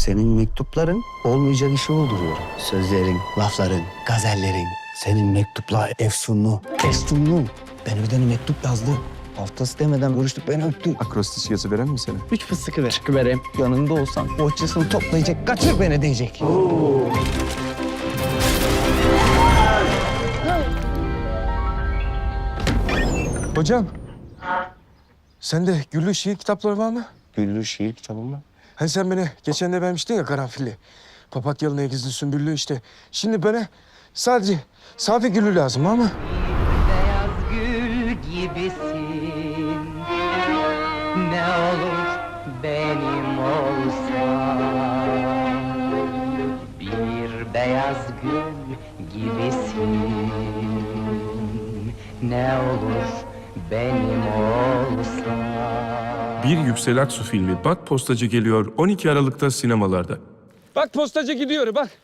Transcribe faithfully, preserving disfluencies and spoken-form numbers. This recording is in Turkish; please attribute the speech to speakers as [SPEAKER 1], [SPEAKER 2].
[SPEAKER 1] Senin mektupların olmayacak işi olduruyor. Sözlerin, lafların, gazellerin. Senin mektupla efsunlu, efsunlu. Ben bir tane mektup yazdı. Haftası demeden görüştük, beni öptü.
[SPEAKER 2] Akrostiş yazı veren mi sana?
[SPEAKER 1] Üç fıstıkı ver. Çıkıvereyim. Yanında olsan bohçasını toplayacak, kaçır beni diyecek.
[SPEAKER 2] Hocam, sende Güllü şiir kitapları var mı?
[SPEAKER 1] Güllü şiir kitabı mı?
[SPEAKER 2] Hani sen beni geçen de vermiştin ya karanfilli. Papatyalı, negizli, sümbüllü işte. Şimdi bana sadece safi güllü lazım ama.
[SPEAKER 3] Beyaz gül gibisin, ne olur benim olsan. Bir beyaz gül gibisin, ne olur benim olsan.
[SPEAKER 4] Bir Yüksel Aksu filmi Bak Postacı geliyor on iki Aralık'ta sinemalarda.
[SPEAKER 2] Bak postacı gidiyor bak.